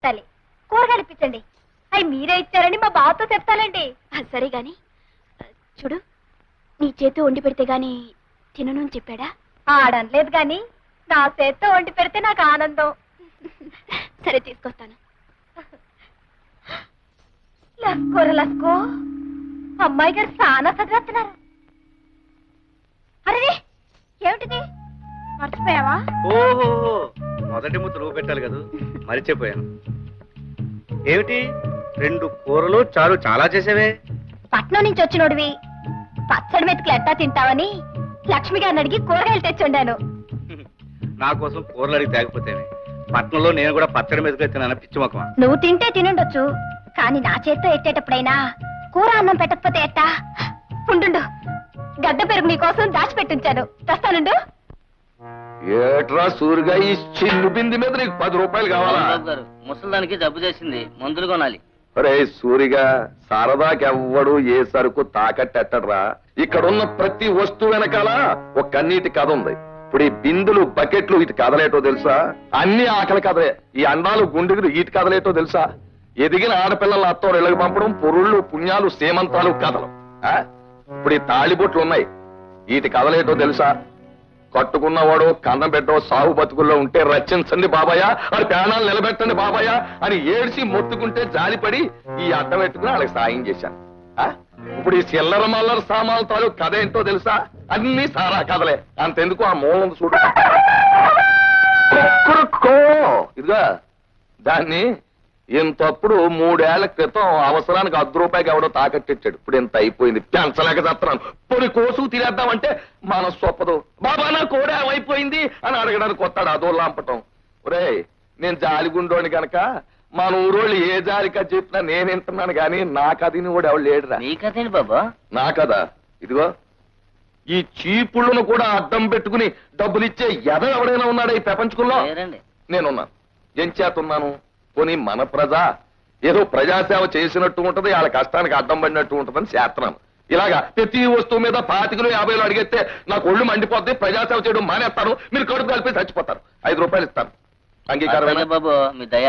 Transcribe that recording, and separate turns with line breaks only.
తల్లి కూరగాయలు ఇప్పించండి. అవి మీరే ఇచ్చారని మా బావతో చెప్తానండి.
సరే గాని చూడు, నీ చేతి వండి పెడితే గాని తినను అని చెప్పాడా?
ఆడనలేదు గాని నా చేత్తో వండి పెడితే నాకు ఆనందం.
సరే తీసుకొస్తాను.
లస్కోర లస్కో, అమ్మాయి గారు చాలా చదివేస్తున్నారు. అరే ఏమిటిది, మర్చిపోయావా?
ఓహో, మొదటి ముద్ద నువ్వు పెట్టాలి కదా, మరిచిపోయాను. ఏమిటి 2 కూరలు చారు చాలా చేసేవే?
పట్నం నుంచి వచ్చినోడివి పచ్చడి మెతుకులు ఎట్టా తింటావని లక్ష్మి గారిని అడిగి కూరగాయలు తెచ్చుండాను.
నా కోసం కూరలు అడిగి తేకపోతేనే. పట్నంలో నేను కూడా పచ్చడి మీద తిన్నాను, పిచ్చి మొక్కమా.
నువ్వు తింటే తినుండొచ్చు, కానీ నా చేత్తో ఎట్టేటప్పుడైనా కూర అన్నం పెట్టకపోతే ఎట్టా? ఉండు, గడ్డ పెరుగు నీకోసం దాచిపెట్టించాను, తెస్తానుండు.
ఏట్రా సూరిగా ఈ చిన్ను బింది మీద నీకు 10 రూపాయలు కావాలా?
ముసలానికి జబ్బు చేసింది, మందులు కొనాలి.
అరే సూరిగా, సరదాకెవ్వడు ఏ సరుకు తాకట్టెట్టడ్రా. ఇక్కడున్న ప్రతి వస్తువు వెనకాల ఒక కన్నీటి కథ ఉంది. ఇప్పుడు ఈ బిందులు బకెట్లు ఇటు కదలేటో తెలుసా? అన్ని ఆకలి కథలే. ఈ అండాలు గుండెలు ఇటు కదలేటో తెలుసా? ఎదిగిన ఆడపిల్లల అత్తోరు ఇళ్ళకి పంపడం, పొరుళ్ళు పుణ్యాలు సేమంతాలు కథలు. ఇప్పుడు ఈ తాళిబొట్లు ఉన్నాయి, వీటి కదలేటో తెలుసా? కట్టుకున్నవాడు కన్నం పెట్టో సాగు బతుకుల్లో ఉంటే రచించండి బాబాయ్, అది ప్రాణాలు నిలబెట్టండి బాబాయ్ అని ఏడ్చి మొత్తుకుంటే జాలిపడి ఈ అడ్డం పెట్టుకుని వాళ్ళకి సాయం చేశాను. ఇప్పుడు ఈ చిల్లర మల్లర సామాన్ల తాలూకు కథ ఏంటో తెలుసా? అన్ని సారా కథలే. అంతెందుకు ఆ మూలం చూడు, ఇదిగా దాన్ని ఇంతప్పుడు 3 ఏళ్ల క్రితం అవసరానికి 10 రూపాయకి ఎవడో తాకట్టిచ్చాడు. ఇప్పుడు ఇంత అయిపోయింది, పెంచలేక చేస్తున్నాను. పొడి కోసు తినేద్దామంటే మనసు ఒప్పదు. బాబా నా కోడే అయిపోయింది అని అడగడానికి వస్తాడు, అదో లాంపటం. ఒరే నేను జాలిగుండోని గనక మన ఊరోళ్ళు ఏ జాలికా చెప్పినా నేను వింటున్నాను గాని నా కథని కూడా ఎవడు లేడురా.
నీ కథేంటి బాబా?
నా కదా ఇదిగో, ఈ చీపుళ్ళను కూడా అడ్డం పెట్టుకుని డబ్బులిచ్చే ఎద ఎవడైనా ఉన్నాడా ఈ ప్రపంచంలో? నేనున్నాను. ఏం చేతున్నాను? పోనీ మన ప్రజ ఏదో ప్రజాసేవ చేసినట్టు ఉంటది, వాళ్ళ కష్టానికి అడ్డం పడినట్టు ఉంటదని చేస్తున్నాను. ఇలాగా ప్రతి వస్తువు మీద 25 50 అడిగితే నాకు ఒళ్ళు మండిపోద్ది, ప్రజాసేవ చేయడం మానేస్తాను, మీరు కడుపు కలిపి చచ్చిపోతారు. 5 రూపాయలు ఇస్తాను, అంగీకారం
బాబు మీ దయ.